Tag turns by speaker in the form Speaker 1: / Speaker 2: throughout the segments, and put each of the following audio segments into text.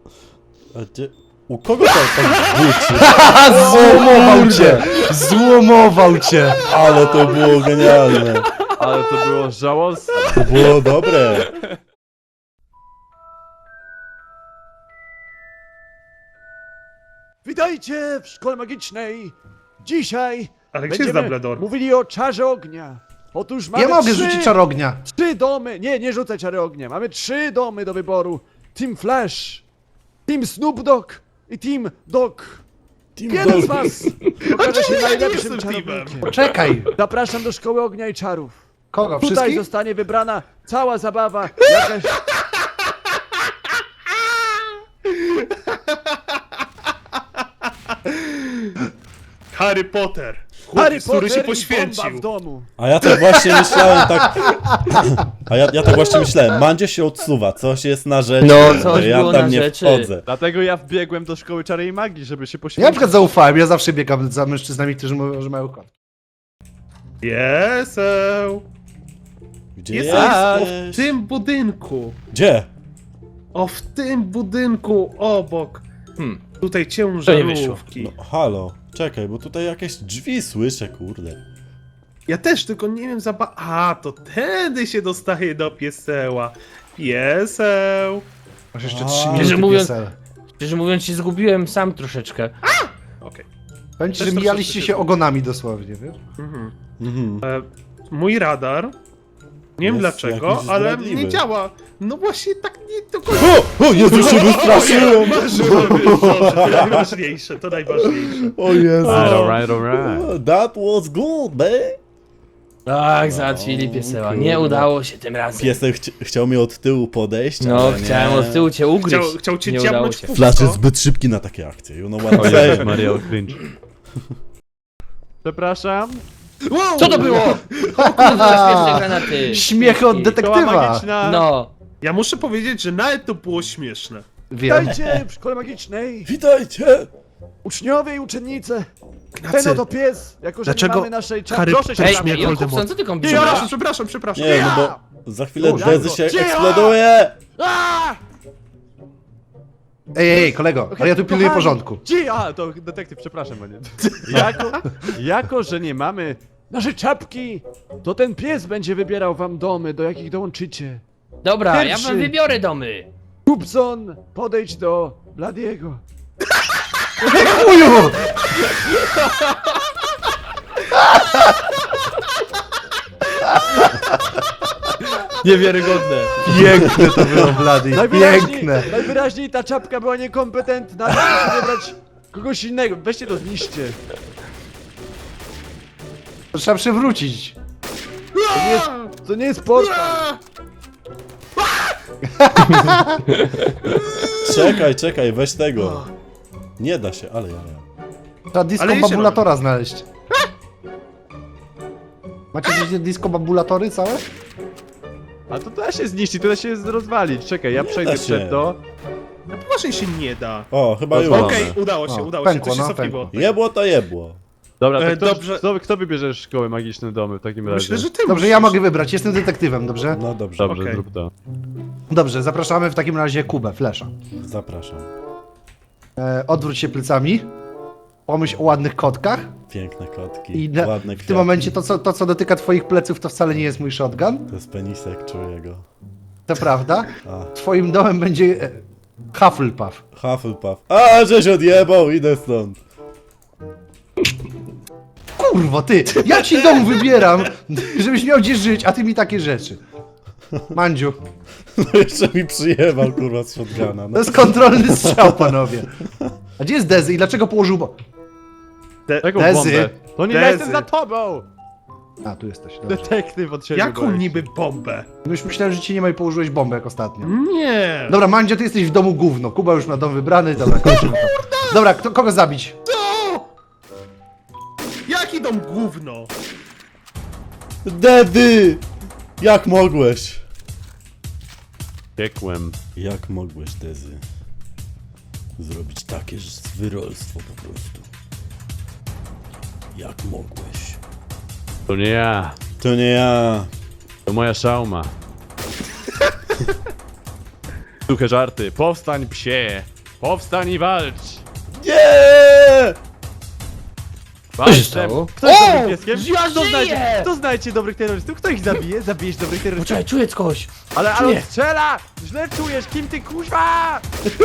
Speaker 1: A gdzie? U kogo to tak buczy?
Speaker 2: Złomował cię! Złomował cię!
Speaker 1: Ale to było genialne.
Speaker 3: Ale to było żałosne.
Speaker 1: To było dobre.
Speaker 4: Witajcie w szkole magicznej! Dzisiaj
Speaker 5: Ale gdzie jest
Speaker 4: będziemy
Speaker 5: Dumbledore?
Speaker 4: mówili o czarze ognia. Otóż mamy
Speaker 2: Nie mogę
Speaker 4: trzy,
Speaker 2: rzucić czarognia.
Speaker 4: 3 domy, nie rzucaj czary ognia. Mamy 3 domy do wyboru. Team Flash, Team Snoop Dogg i Team Dog. Jeden z was okaże się najlepszym
Speaker 5: jestem
Speaker 4: czarownikiem.
Speaker 2: Czekaj.
Speaker 4: Zapraszam do szkoły ognia i czarów.
Speaker 2: Kogo?
Speaker 4: Tutaj
Speaker 2: Wszystkich?
Speaker 4: zostanie wybrana cała zabawa, jakaś...
Speaker 5: Harry Potter!
Speaker 4: Harry
Speaker 5: Chłopiec, który
Speaker 4: Potter
Speaker 5: się
Speaker 4: i bomba
Speaker 5: poświęcił.
Speaker 4: w domu.
Speaker 1: A ja tak właśnie myślałem, tak... A ja tak właśnie myślałem, Mandzio się odsuwa, coś jest na rzeczy,
Speaker 6: No, coś
Speaker 1: ja
Speaker 6: było
Speaker 1: tam
Speaker 6: na
Speaker 1: nie
Speaker 6: rzeczy.
Speaker 1: wchodzę.
Speaker 3: Dlatego ja wbiegłem do szkoły czary i magii, żeby się
Speaker 2: Ja na
Speaker 3: poświęcić.
Speaker 2: przykład zaufałem, ja zawsze biegam za mężczyznami, którzy mówią, że mają kot.
Speaker 5: Jeseł!
Speaker 1: Gdzie
Speaker 5: Jest o, w
Speaker 1: jesteś?
Speaker 5: tym budynku.
Speaker 1: Gdzie?
Speaker 5: O, w tym budynku obok. Tutaj
Speaker 6: To
Speaker 5: ciężarówki.
Speaker 1: No halo, czekaj, bo tutaj jakieś drzwi słyszę, kurde.
Speaker 5: Ja też, tylko nie wiem A, to tędy się dostaje do pieseła. Pieseł!
Speaker 2: Masz jeszcze
Speaker 1: A.
Speaker 2: 3
Speaker 6: Szczerze
Speaker 2: minuty
Speaker 6: mówiąc-
Speaker 2: PSL.
Speaker 6: Szczerze mówiąc się zgubiłem sam troszeczkę.
Speaker 5: Okej.
Speaker 2: Powiem ci,
Speaker 5: Też
Speaker 2: że
Speaker 5: troszeczkę
Speaker 2: mijaliście
Speaker 5: się
Speaker 2: się
Speaker 5: zgubiłem.
Speaker 2: ogonami dosłownie, wiesz?
Speaker 5: Mhm.
Speaker 1: Mhm.
Speaker 5: Mój radar, nie wiem
Speaker 1: Jest
Speaker 5: dlaczego,
Speaker 1: jakiś
Speaker 5: ale
Speaker 1: zdradliwy.
Speaker 5: nie działa. No właśnie tak nie do końca.
Speaker 1: O Jezu, się wystraszyłem!
Speaker 5: Marzyłem, dobrze, to najważniejsze, to najważniejsze.
Speaker 1: O Jezu.
Speaker 3: Alright.
Speaker 1: That was good, man.
Speaker 6: Tak, załatwili pieseła. Nie
Speaker 1: kurde.
Speaker 6: udało się tym razem.
Speaker 1: Piesek chciał mi od tyłu podejść,
Speaker 6: No,
Speaker 1: ale nie.
Speaker 6: chciałem od tyłu cię ugryźć.
Speaker 5: Chciał cię
Speaker 6: Nie udało
Speaker 5: ciapnąć
Speaker 6: się.
Speaker 5: w
Speaker 1: Flash
Speaker 5: pupsko.
Speaker 1: jest zbyt szybki na takie akcje, you know what
Speaker 3: O
Speaker 1: I'm
Speaker 3: Jezus
Speaker 1: saying?
Speaker 3: Maria, cringe. Przepraszam.
Speaker 5: Wow!
Speaker 6: Co to było? O kurwa, śmieszne granaty.
Speaker 2: Śmiechy od
Speaker 3: Szkoła
Speaker 2: detektywa.
Speaker 3: magiczna.
Speaker 6: No.
Speaker 5: Ja muszę powiedzieć, że nawet to było śmieszne.
Speaker 2: Wiem.
Speaker 4: Witajcie w szkole magicznej!
Speaker 1: Witajcie!
Speaker 4: Uczniowie i uczennice!
Speaker 5: Ignacy,
Speaker 4: Ten oto pies, jako że
Speaker 5: Dlaczego
Speaker 4: nie mamy naszej
Speaker 5: Harry
Speaker 4: proszę się
Speaker 5: Potter
Speaker 6: Ej,
Speaker 5: śmie
Speaker 4: zamknąć.
Speaker 6: Jakubson, co ty kombinujesz?
Speaker 5: Przepraszam.
Speaker 1: Nie, no bo za chwilę
Speaker 4: Już,
Speaker 1: Dezy
Speaker 4: Janko,
Speaker 1: się
Speaker 4: cicho!
Speaker 1: eksploduje!
Speaker 4: Aaa!
Speaker 2: Ej, kolego, ale ja tu pilnuję
Speaker 4: kochani.
Speaker 2: porządku.
Speaker 3: A, to detektyw, przepraszam, panie. Jako, że nie mamy...
Speaker 4: Nasze czapki! To ten pies będzie wybierał wam domy, do jakich dołączycie.
Speaker 6: Dobra, ja
Speaker 4: Pierwszy.
Speaker 6: wam wybiorę domy.
Speaker 4: Kupson, podejdź do Bladiego.
Speaker 2: Uju!
Speaker 3: Niewiarygodne.
Speaker 2: Piękne to było, Blady, piękne.
Speaker 4: Najwyraźniej ta czapka była niekompetentna, muszę wybrać kogoś innego. Weźcie to zniszcie.
Speaker 2: To trzeba przywrócić.
Speaker 4: To nie jest portal.
Speaker 1: Czekaj, weź tego. Nie da się, ale ja.
Speaker 2: Trzeba disco
Speaker 5: Ale jeszcze
Speaker 2: babulatora znaleźć. Macie gdzieś disco babulatory całe?
Speaker 3: A to da się zniszczyć, to da się rozwalić. Czekaj, ja
Speaker 1: Nie
Speaker 3: przejdę
Speaker 1: da się.
Speaker 3: przed to.
Speaker 5: No poważnie się nie da.
Speaker 1: O, chyba już.
Speaker 3: Pozwolone.
Speaker 5: Okej, udało się,
Speaker 2: O,
Speaker 5: to
Speaker 2: pękło,
Speaker 5: się
Speaker 2: no,
Speaker 5: cofnęło.
Speaker 1: Jebło to jebło.
Speaker 3: Dobra, to
Speaker 5: Dobrze.
Speaker 3: kto wybierze szkoły magiczne domy w takim razie?
Speaker 5: Myślę, że ty
Speaker 2: Dobrze, ja
Speaker 5: musisz.
Speaker 2: mogę wybrać, jestem detektywem, dobrze?
Speaker 1: No dobrze,
Speaker 3: Dobrze,
Speaker 5: Okej.
Speaker 3: zrób to.
Speaker 2: Dobrze, zapraszamy w takim razie Kubę, Flesza.
Speaker 1: zapraszam.
Speaker 2: Odwróć się plecami. Pomyśl o ładnych kotkach.
Speaker 1: Piękne kotki,
Speaker 2: I
Speaker 1: ładne
Speaker 2: w
Speaker 1: kwiaty.
Speaker 2: tym momencie to, co dotyka twoich pleców, to wcale nie jest mój shotgun.
Speaker 1: To jest penisek, czuję go.
Speaker 2: To prawda.
Speaker 1: A,
Speaker 2: Twoim domem będzie Hufflepuff.
Speaker 1: Hufflepuff. A, żeś odjebał, idę stąd.
Speaker 2: Kurwo, ty! Ja ci dom wybieram, żebyś miał gdzie żyć, a ty mi takie rzeczy. Mandziu,
Speaker 1: No jeszcze mi przyjebał, kurwa, z shotguna.
Speaker 2: to
Speaker 1: No.
Speaker 2: jest kontrolny strzał, panowie. A gdzie jest Dezy i dlaczego położył
Speaker 3: Taką
Speaker 2: Dezy.
Speaker 3: bombę. To nie ja
Speaker 5: Dezy.
Speaker 3: jestem za tobą!
Speaker 2: A, tu jesteś, dobrze.
Speaker 3: Detektyw od siebie.
Speaker 5: Jaką
Speaker 3: boję się.
Speaker 5: niby bombę?
Speaker 2: Już myślałem, że ci nie ma i położyłeś bombę jak ostatnio.
Speaker 5: Nie!
Speaker 2: Dobra, Mandzio, ty jesteś w domu gówno. Kuba już ma dom wybrany, dobra, kończymy to. Dobra, kogo zabić?
Speaker 5: Co? Jaki dom gówno?
Speaker 1: Dedy! Jak mogłeś?
Speaker 3: Piekłem.
Speaker 1: Jak mogłeś, Dezy, zrobić takie zwyrolstwo po prostu? Jak mogłeś?
Speaker 3: To nie ja.
Speaker 1: To nie ja.
Speaker 3: To moja szauma. Suche żarty. Powstań, psie. Powstań i walcz!
Speaker 1: Nie!
Speaker 3: Walcz!
Speaker 6: stało?
Speaker 3: Kto jest
Speaker 6: O!
Speaker 3: dobrym pieskiem?
Speaker 6: Ja żyję!
Speaker 3: Kto znajdzie dobrych terrorystów? Kto ich zabije? Zabijesz dobrych terrorystów?
Speaker 6: Poczekaj, czuję coś.
Speaker 3: Ale
Speaker 6: czuję.
Speaker 3: on strzela! Źle czujesz! Kim ty kuźwa?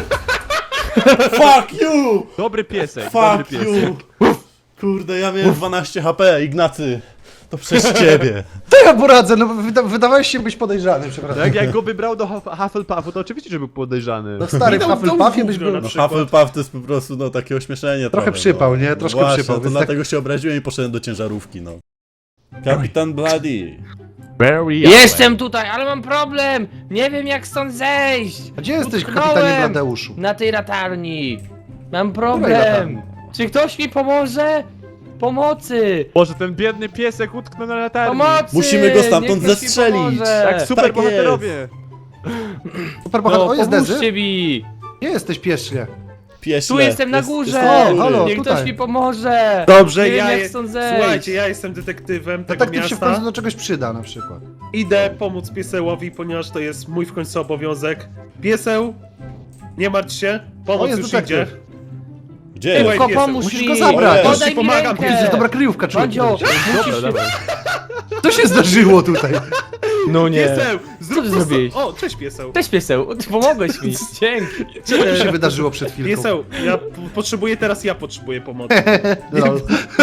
Speaker 1: Fuck you!
Speaker 3: Dobry piesek, dobry
Speaker 1: Fuck
Speaker 3: piesek.
Speaker 1: you! Kurde, ja miałem 12 HP, Ignacy. To przez ciebie.
Speaker 2: To ja poradzę, no wydawałeś się być podejrzany, przepraszam.
Speaker 3: Tak jak go wybrał do Hufflepuffu, to oczywiście, że był podejrzany.
Speaker 2: No stary, w
Speaker 5: Idą do
Speaker 2: Hufflepuffie byś
Speaker 5: gówna
Speaker 2: był...
Speaker 5: na
Speaker 1: No
Speaker 5: przykład.
Speaker 1: Hufflepuff to jest po prostu no takie ośmieszenie
Speaker 2: Trochę
Speaker 1: trochę,
Speaker 2: przypał,
Speaker 1: no.
Speaker 2: nie? Troszkę
Speaker 1: Właśnie,
Speaker 2: przypał,
Speaker 1: to
Speaker 2: więc
Speaker 1: dlatego się obraziłem i poszedłem do ciężarówki, no. Kapitan Bloody.
Speaker 3: Very
Speaker 6: Jestem tutaj, ale mam problem. Nie wiem jak stąd zejść.
Speaker 2: A gdzie jesteś,
Speaker 6: Utknąłem
Speaker 2: kapitanie Bladeuszu?
Speaker 6: Na tej latarni. Mam
Speaker 2: Której
Speaker 6: problem.
Speaker 2: latarni?
Speaker 6: Czy ktoś mi pomoże? Pomocy!
Speaker 3: Boże, ten biedny piesek utknął na latarni.
Speaker 6: Pomocy!
Speaker 1: Musimy go stamtąd
Speaker 6: Niech ktoś mi
Speaker 1: zestrzelić.
Speaker 6: pomoże.
Speaker 3: Tak, super
Speaker 1: Tak
Speaker 3: bohaterowie.
Speaker 2: Super bohater,
Speaker 6: No,
Speaker 2: o jest Dezy?
Speaker 6: pomóżcie mi!
Speaker 2: Gdzie jesteś, pieśle?
Speaker 1: Pieśle.
Speaker 6: Tu jestem na
Speaker 1: Jest-
Speaker 6: górze!
Speaker 1: jest na
Speaker 2: halo.
Speaker 1: górze.
Speaker 6: Niech ktoś
Speaker 2: tutaj.
Speaker 6: mi pomoże!
Speaker 5: Dobrze,
Speaker 6: Nie wiem,
Speaker 5: ja
Speaker 6: jak stąd zejść.
Speaker 5: Słuchajcie, ja jestem detektywem tego
Speaker 2: Detektyw się w końcu
Speaker 5: miasta.
Speaker 2: do czegoś przyda na przykład.
Speaker 5: Idę pomóc piesełowi, ponieważ to jest mój w końcu obowiązek. Pieseł, nie martw się,
Speaker 2: O,
Speaker 5: pomoc
Speaker 2: jest
Speaker 5: już
Speaker 2: detektyw.
Speaker 5: idzie.
Speaker 1: Gdzie jest?
Speaker 6: Tylko
Speaker 5: piesek.
Speaker 6: pomóż
Speaker 2: Musisz
Speaker 6: mi!
Speaker 2: go zabrać.
Speaker 1: Już
Speaker 6: Podaj
Speaker 5: ci
Speaker 6: mi
Speaker 5: pomagam,
Speaker 6: rękę!
Speaker 2: To jest dobra kryjówka, człowiek.
Speaker 6: Mandzio,
Speaker 3: Dobra, dobra.
Speaker 2: Co się zdarzyło tutaj?
Speaker 6: No nie.
Speaker 5: Pieseł, zrób
Speaker 6: ty
Speaker 5: prosto-
Speaker 6: zrobiłeś?
Speaker 5: O, cześć pieseł.
Speaker 6: Cześć pieseł, pomogłeś mi, dzięki.
Speaker 2: Co tu się wydarzyło przed chwilką?
Speaker 5: Pieseł, ja potrzebuję pomocy.
Speaker 2: Lol.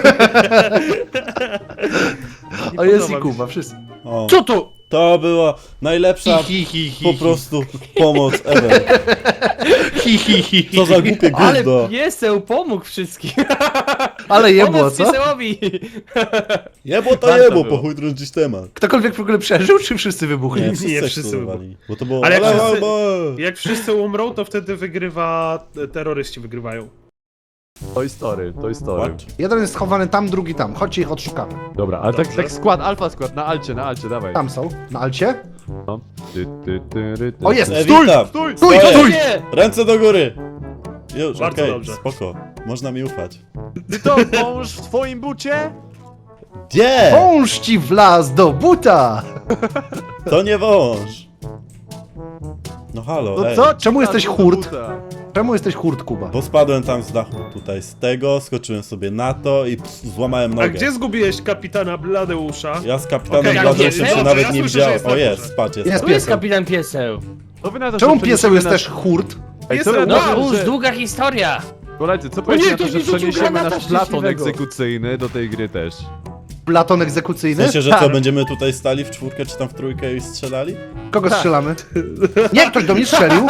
Speaker 5: Nie
Speaker 2: O, jest
Speaker 5: podoba
Speaker 2: i
Speaker 5: mi
Speaker 2: Kuba,
Speaker 5: się.
Speaker 2: wszyscy.
Speaker 1: O,
Speaker 6: Co to?
Speaker 1: to była najlepsza po prostu pomoc ever. Co za głupie
Speaker 6: Ale
Speaker 1: gówno.
Speaker 6: pieseł pomógł wszystkim.
Speaker 2: Ale jebło,
Speaker 6: Pomoc
Speaker 2: co?
Speaker 6: piesełowi.
Speaker 1: Jebło to
Speaker 3: Warto
Speaker 1: jebło,
Speaker 3: było.
Speaker 1: po chuj drążyć temat.
Speaker 2: Ktokolwiek w ogóle przeżył, czy wszyscy wybuchli?
Speaker 1: Nie, wszyscy
Speaker 5: Nie,
Speaker 1: jak
Speaker 5: wszyscy
Speaker 1: spróbowali. Bo to było...
Speaker 5: Ale jak wszyscy-
Speaker 1: albo...
Speaker 5: Jak wszyscy umrą, to wtedy wygrywa, terroryści wygrywają.
Speaker 3: Toy Story, Toy Story.
Speaker 1: What?
Speaker 2: Jeden jest schowany tam, drugi tam. Chodźcie ich odszukamy.
Speaker 3: Dobra, ale tak,
Speaker 5: Dobrze.
Speaker 3: tak skład, alfa skład, na alcie, dawaj.
Speaker 2: Tam są, na alcie.
Speaker 3: No. Ty.
Speaker 2: O, jest!
Speaker 1: Witam!
Speaker 3: Stój!
Speaker 2: Stój,
Speaker 1: Stoję.
Speaker 2: stój!
Speaker 6: Nie!
Speaker 1: Ręce do góry! Już,
Speaker 5: Bardzo
Speaker 1: okej,
Speaker 5: dobrze.
Speaker 1: spoko. Można mi ufać.
Speaker 3: Ty to wąż w twoim bucie?
Speaker 1: Gdzie?
Speaker 2: Wąż ci wlazł do buta!
Speaker 1: To nie wąż. No halo,
Speaker 3: No
Speaker 1: ej.
Speaker 3: co?
Speaker 2: Czemu jesteś
Speaker 3: Do
Speaker 2: hurt?
Speaker 3: buta.
Speaker 2: Czemu jesteś hurt, Kuba?
Speaker 1: Bo spadłem tam z dachu tutaj z tego, skoczyłem sobie na to i złamałem nogę.
Speaker 5: A gdzie zgubiłeś kapitana Bladeusza?
Speaker 1: Ja z kapitanem
Speaker 5: Okej,
Speaker 1: Bladeusem
Speaker 6: ja
Speaker 1: się
Speaker 6: wiem,
Speaker 1: nawet
Speaker 5: ja
Speaker 1: nie
Speaker 5: słyszę, że
Speaker 1: widziałem.
Speaker 5: jest na
Speaker 1: O
Speaker 5: górze.
Speaker 1: jest, patrz, jest.
Speaker 2: Jest
Speaker 6: Tu jest
Speaker 2: pieseł.
Speaker 6: kapitan pieseł.
Speaker 3: Co wy na to,
Speaker 2: Czemu
Speaker 3: że
Speaker 2: pieseł jest
Speaker 3: przeniesiemy
Speaker 2: też hurt?
Speaker 3: Ej, co wy
Speaker 5: Pieseł,
Speaker 3: na
Speaker 6: No
Speaker 3: to,
Speaker 6: już
Speaker 3: że...
Speaker 6: długa historia.
Speaker 3: Koledzy, co
Speaker 6: nie,
Speaker 3: powiecie na to,
Speaker 6: ktoś
Speaker 3: że
Speaker 6: mi rzucił
Speaker 3: przeniesiemy
Speaker 6: granata
Speaker 3: nasz platon
Speaker 6: szczęśliwego.
Speaker 3: egzekucyjny do tej gry też?
Speaker 2: Platon
Speaker 1: W
Speaker 2: egzekucyjny?
Speaker 1: sensie, że
Speaker 3: Tak.
Speaker 1: co, będziemy tutaj stali w czwórkę czy tam w trójkę i strzelali?
Speaker 2: Kogo strzelamy? Nie, ktoś do mnie strzelił.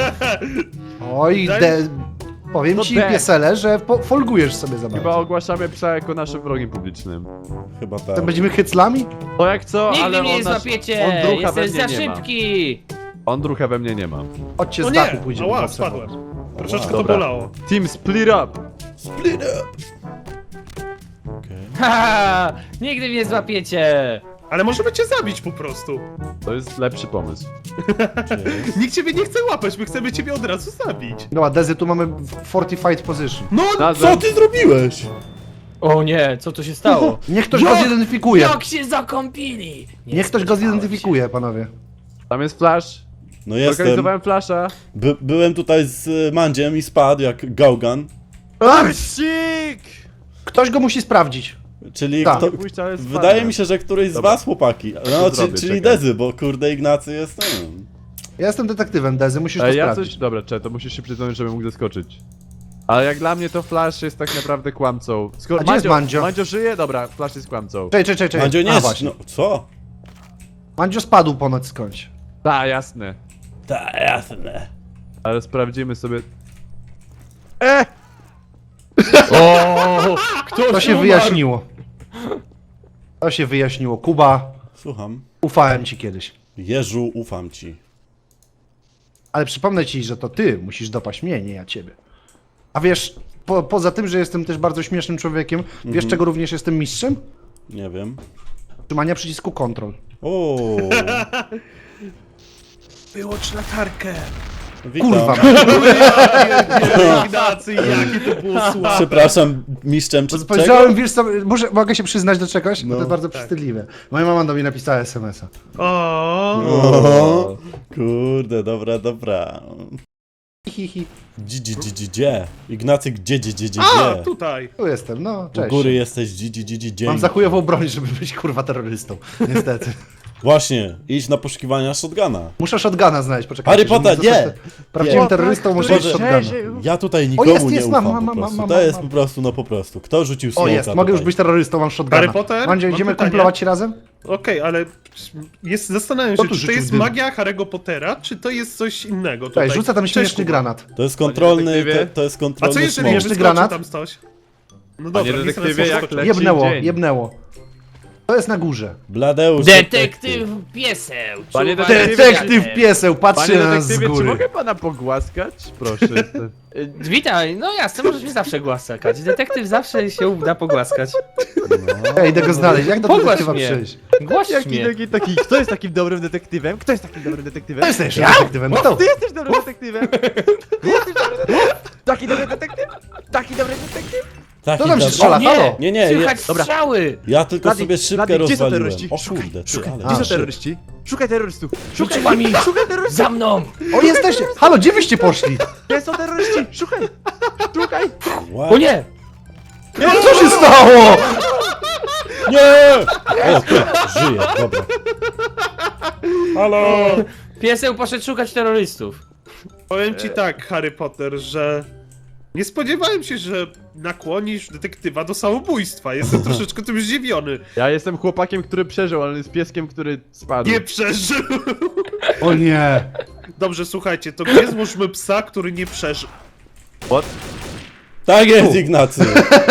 Speaker 2: Oj,
Speaker 5: Daj-
Speaker 2: powiem
Speaker 3: To
Speaker 2: ci,
Speaker 3: de.
Speaker 2: piesele, że folgujesz sobie za
Speaker 3: Chyba
Speaker 2: bardzo.
Speaker 3: ogłaszamy psa jako naszym wrogiem publicznym.
Speaker 1: Chyba tak.
Speaker 2: To będziemy hyclami?
Speaker 3: To jak co,
Speaker 6: Nigdy
Speaker 3: ale
Speaker 6: mnie nie
Speaker 3: on, nasz,
Speaker 6: złapiecie.
Speaker 3: on drucha we
Speaker 6: Jesteś
Speaker 3: mnie
Speaker 6: za
Speaker 3: nie ma.
Speaker 6: szybki.
Speaker 3: On drucha we mnie nie ma.
Speaker 2: Chodźcie
Speaker 5: O
Speaker 2: z dachu
Speaker 5: nie!
Speaker 2: pójdziemy.
Speaker 5: Ała,
Speaker 2: patrzę.
Speaker 5: spadłem. Troszeczkę to
Speaker 3: Dobra.
Speaker 5: bolało.
Speaker 3: Team split up!
Speaker 1: Split up! Okej.
Speaker 6: Ha! Nigdy mnie nie złapiecie.
Speaker 5: Ale możemy cię zabić po prostu.
Speaker 3: To jest lepszy pomysł.
Speaker 1: Gdzie jest?
Speaker 5: Nikt ciebie nie chce łapać, my chcemy ciebie od razu zabić.
Speaker 2: No a Dezy, tu mamy fortified position.
Speaker 5: No,
Speaker 1: Co ty zrobiłeś?
Speaker 6: O nie, co tu się stało?
Speaker 2: Niech ktoś go zidentyfikuje.
Speaker 6: Jak się zakąpili? Nie
Speaker 2: Niech ktoś go
Speaker 6: spodziewałem
Speaker 2: zidentyfikuje, panowie.
Speaker 3: Tam jest flash.
Speaker 1: No jestem.
Speaker 3: Zorganizowałem flasha.
Speaker 1: Byłem tutaj z Mandziem i spadł jak Gaugan.
Speaker 3: Sik!
Speaker 2: Ktoś go musi sprawdzić.
Speaker 1: Czyli
Speaker 2: Tak.
Speaker 1: kto...
Speaker 3: Pójść, ale spadłem.
Speaker 1: Wydaje mi się, że któryś z
Speaker 3: Dobra.
Speaker 1: was, chłopaki. No,
Speaker 3: To zrobię,
Speaker 1: czyli
Speaker 3: czekaj.
Speaker 1: Dezy, bo kurde Ignacy jest...
Speaker 2: Ja jestem detektywem, Dezy, musisz to
Speaker 3: Ja
Speaker 2: sprawdzić.
Speaker 3: coś... Dobra, to musisz się przyznać, żebym mógł zaskoczyć. Ale jak dla mnie to Flash jest tak naprawdę kłamcą. Skoro
Speaker 2: A gdzie jest Mandzio?
Speaker 3: Mandzio żyje? Dobra, Flash jest kłamcą.
Speaker 2: Czekaj.
Speaker 1: Mandzio nie
Speaker 2: A,
Speaker 1: jest...
Speaker 2: właśnie.
Speaker 1: No, co?
Speaker 2: Mandzio spadł ponoć skądś.
Speaker 3: Tak, jasne.
Speaker 1: Tak, jasne.
Speaker 3: Ale sprawdzimy sobie...
Speaker 6: O, ktoś
Speaker 2: To się
Speaker 6: umarł.
Speaker 2: wyjaśniło. To się wyjaśniło. Kuba,
Speaker 1: Słucham.
Speaker 2: ufałem ci kiedyś.
Speaker 1: Jeżu, ufam ci.
Speaker 2: Ale przypomnę ci, że to ty musisz dopaść mnie, nie ja ciebie. A wiesz, poza tym, że jestem też bardzo śmiesznym człowiekiem, wiesz czego również jestem mistrzem?
Speaker 1: Nie wiem.
Speaker 2: Trzymania przycisku control.
Speaker 1: O,
Speaker 5: wyłącz latarkę.
Speaker 1: witam.
Speaker 2: Kurwa.
Speaker 5: Ignacy, jakie to było słabe.
Speaker 1: Przepraszam, mistrzem czy
Speaker 2: Spojrzałem,
Speaker 1: czego?
Speaker 2: wiesz co, mogę się przyznać do czegoś? Bo to jest bardzo
Speaker 5: Tak.
Speaker 2: wstydliwe. Moja mama do mnie napisała SMS-a.
Speaker 5: O,
Speaker 1: O, kurde, dobra.
Speaker 2: Hi.
Speaker 1: Gdzie? Ignacy, gdzie?
Speaker 5: A, tutaj.
Speaker 2: Tu jestem, no,
Speaker 1: U
Speaker 2: cześć.
Speaker 1: góry jesteś, gdzie?
Speaker 2: Mam za chujową broń, żeby być kurwa terrorystą. Niestety.
Speaker 1: Właśnie, idź na poszukiwania shotguna.
Speaker 2: Muszę shotguna znaleźć, poczekaj.
Speaker 1: Harry Potter, nie!
Speaker 2: Prawdziwym
Speaker 1: Nie.
Speaker 2: terrorystą muszę
Speaker 1: Boże.
Speaker 2: mieć shotguna.
Speaker 1: Ja tutaj nikomu
Speaker 2: jest,
Speaker 1: nie
Speaker 2: jest,
Speaker 1: ufam
Speaker 2: mam,
Speaker 1: po prostu.
Speaker 2: mam.
Speaker 1: To jest po prostu, no po prostu. Kto rzucił
Speaker 2: O
Speaker 1: smoka
Speaker 2: jest, mogę już
Speaker 1: tutaj?
Speaker 2: być terrorystą, mam shotguna.
Speaker 5: Harry Potter?
Speaker 2: Mandzio,
Speaker 5: Mam
Speaker 2: idziemy
Speaker 5: pytanie.
Speaker 2: kumplować się razem?
Speaker 5: Okej, ale zastanawiam
Speaker 2: Kto
Speaker 5: się,
Speaker 2: tu
Speaker 5: czy to
Speaker 2: rzucił
Speaker 5: jest
Speaker 2: dym?
Speaker 5: magia Harry'ego Pottera, czy to jest coś innego tutaj.
Speaker 2: Cześć, rzucę tam
Speaker 5: Cześć,
Speaker 2: śmieszny
Speaker 5: Kuba.
Speaker 2: granat.
Speaker 1: To jest kontrolny,
Speaker 3: detektywie?
Speaker 1: to jest
Speaker 5: A
Speaker 1: kontrolny
Speaker 5: co jeżeli
Speaker 1: smok.
Speaker 2: Śmieszny
Speaker 5: wyskoczy
Speaker 2: granat?
Speaker 5: tam coś? No
Speaker 3: Panie
Speaker 5: dobra, nie
Speaker 3: detektywie,
Speaker 5: sobie
Speaker 3: jak
Speaker 5: skoczę.
Speaker 3: leci
Speaker 2: Jebnęło,
Speaker 3: dzień.
Speaker 2: jebnęło. To jest na górze.
Speaker 1: Bladeusz,
Speaker 6: Detektyw pieseł!
Speaker 3: Panie
Speaker 6: czuwaj
Speaker 2: Detektyw
Speaker 6: nad
Speaker 2: pieseł, patrzy
Speaker 3: Panie
Speaker 2: na nas z
Speaker 3: detektywie, czy
Speaker 2: góry.
Speaker 3: mogę pana pogłaskać? Proszę.
Speaker 6: Witaj, no jasne, możesz mnie zawsze głaskać. Detektyw zawsze się uda pogłaskać.
Speaker 2: Ja idę go znaleźć, jak do
Speaker 6: Pogłaś
Speaker 2: detektywa
Speaker 6: mnie.
Speaker 2: przyjść?
Speaker 6: Głaś mnie.
Speaker 3: Kto jest takim dobrym detektywem? Kto jest takim dobrym detektywem?
Speaker 2: To jesteś detektywem, kto?
Speaker 3: Ty jesteś dobrym detektywem! Ty jesteś dobrym detektywem! Taki dobry detektyw! Taki dobry detektyw!
Speaker 1: Taki
Speaker 2: To tam się
Speaker 1: dobry-
Speaker 2: strzela,
Speaker 6: Nie,
Speaker 2: halo?
Speaker 1: Nie,
Speaker 6: słychać strzały!
Speaker 1: Ja tylko
Speaker 3: Blady,
Speaker 1: sobie szybkę
Speaker 3: Blady, gdzie są
Speaker 1: rozwaliłem.
Speaker 3: terroryści?
Speaker 1: O
Speaker 3: Szukaj,
Speaker 1: kurde, ty,
Speaker 3: szukaj.
Speaker 1: ale...
Speaker 3: Gdzie są
Speaker 2: shit.
Speaker 3: terroryści? Szukaj terrorystów! Szukaj
Speaker 6: Szukaj mi!
Speaker 3: Szukaj terrorystów!
Speaker 6: Za mną!
Speaker 2: O, jesteście! Halo, gdzie wyście poszli?
Speaker 3: Gdzie są terroryści? Szukaj! Szukaj!
Speaker 1: What?
Speaker 6: O nie!
Speaker 2: Co się stało?
Speaker 1: Nie! O, ty, żyje, dobra.
Speaker 5: Halo!
Speaker 6: Pieseł poszedł szukać terrorystów.
Speaker 5: Powiem ci tak, Harry Potter, że nie spodziewałem się, że nakłonisz detektywa do samobójstwa. Jestem troszeczkę tym zdziwiony.
Speaker 3: Ja jestem chłopakiem, który przeżył, ale jest pieskiem, który spadł.
Speaker 5: Nie przeżył!
Speaker 2: O nie.
Speaker 5: Dobrze, słuchajcie, to gdzie złóżmy psa, który nie przeżył?
Speaker 3: What?
Speaker 1: Tak jest, Ignacy.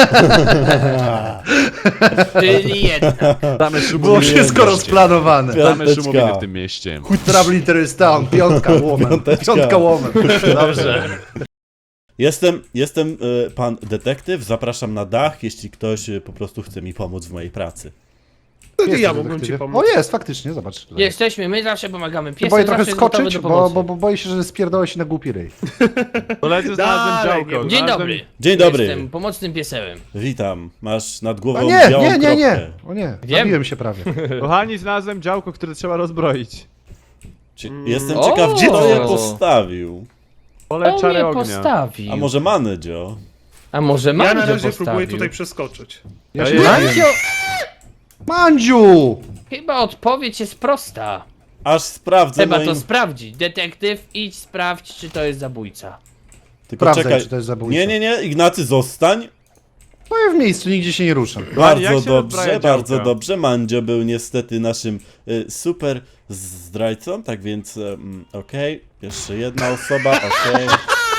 Speaker 6: Czyli jedna.
Speaker 3: Damy szumu
Speaker 2: Było wszystko rozplanowane.
Speaker 3: Damy
Speaker 1: Piąteczka.
Speaker 3: szumowiny w tym mieście.
Speaker 2: Trouble in Terrorist Town, piątka łomem.
Speaker 1: Piąteczka.
Speaker 2: Piątka łomem. Dobrze.
Speaker 1: Jestem pan detektyw, zapraszam na dach, jeśli ktoś po prostu chce mi pomóc w mojej pracy.
Speaker 5: To nie
Speaker 2: Jest
Speaker 5: ja
Speaker 2: ten
Speaker 5: mogłem ci
Speaker 2: detektywie.
Speaker 5: pomóc.
Speaker 2: O jest, faktycznie, zobacz.
Speaker 6: Jesteśmy, my zawsze pomagamy. Piesek
Speaker 2: Boję trochę
Speaker 6: zawsze jest gotowy
Speaker 2: skoczyć,
Speaker 6: do
Speaker 2: bo
Speaker 6: pomocy.
Speaker 2: boję się, że spierdolę się na głupi ryj.
Speaker 3: Koledzy znalazłem
Speaker 5: Dalej,
Speaker 3: działko.
Speaker 5: nie-
Speaker 6: Dzień
Speaker 3: znalazłem-
Speaker 6: dobry.
Speaker 1: Dzień dobry.
Speaker 6: Jestem pomocnym piesełem.
Speaker 1: Witam, masz nad
Speaker 2: A
Speaker 1: głową
Speaker 2: nie,
Speaker 1: białą
Speaker 2: nie, nie, nie.
Speaker 1: kropkę.
Speaker 2: O nie,
Speaker 6: Wiem.
Speaker 2: zabiłem się prawie.
Speaker 3: Kochani, znalazłem działko, które trzeba rozbroić.
Speaker 1: Jestem
Speaker 6: O!
Speaker 1: ciekaw, gdzie to je postawił.
Speaker 3: Pole
Speaker 6: On
Speaker 3: czary
Speaker 6: mnie
Speaker 3: ognia.
Speaker 6: postawił.
Speaker 1: A może Manedzio?
Speaker 6: A może
Speaker 5: Ja na
Speaker 6: Mandzio
Speaker 5: razie
Speaker 6: postawił?
Speaker 5: próbuję tutaj przeskoczyć.
Speaker 2: Ja
Speaker 3: Ja
Speaker 2: się
Speaker 3: jestem.
Speaker 2: bawię.
Speaker 6: Mandzio,
Speaker 2: Mandziu!
Speaker 6: chyba odpowiedź jest prosta.
Speaker 1: Aż sprawdzę
Speaker 6: Trzeba to
Speaker 1: moim...
Speaker 6: sprawdzić. Detektyw, idź sprawdź, czy to jest zabójca.
Speaker 1: Tylko
Speaker 2: Sprawdzaj,
Speaker 1: czekaj.
Speaker 2: czy to jest zabójca.
Speaker 1: Nie, Ignacy, zostań.
Speaker 2: Stoję w miejscu, nigdzie się nie ruszam.
Speaker 3: jak
Speaker 1: Bardzo
Speaker 3: się rozbraja
Speaker 1: dobrze, bardzo
Speaker 3: działka?
Speaker 1: dobrze. Mandzio był niestety naszym super zdrajcą, tak więc okej. Jeszcze jedna osoba, okej.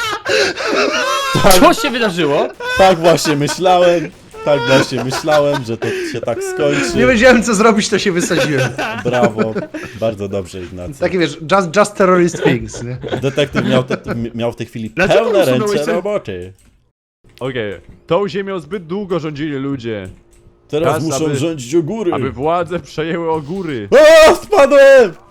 Speaker 6: Co się wydarzyło?
Speaker 1: Tak właśnie myślałem. Tak właśnie myślałem, że to się tak skończy.
Speaker 2: Nie wiedziałem co zrobić, to się wysadziłem.
Speaker 1: Brawo. Bardzo dobrze, Ignacy.
Speaker 2: Takie wiesz, just terrorist things, nie?
Speaker 1: Detektyw miał w tej chwili
Speaker 5: Dlaczego
Speaker 1: pełne
Speaker 5: usunąłeś
Speaker 1: ręce
Speaker 5: ten-
Speaker 1: roboty.
Speaker 3: Okej. Tą ziemią zbyt długo rządzili ludzie,
Speaker 1: Teraz
Speaker 3: Czas,
Speaker 1: muszą
Speaker 3: aby-
Speaker 1: rządzić o góry.
Speaker 3: aby władze przejęły o góry.
Speaker 1: O, spadłem!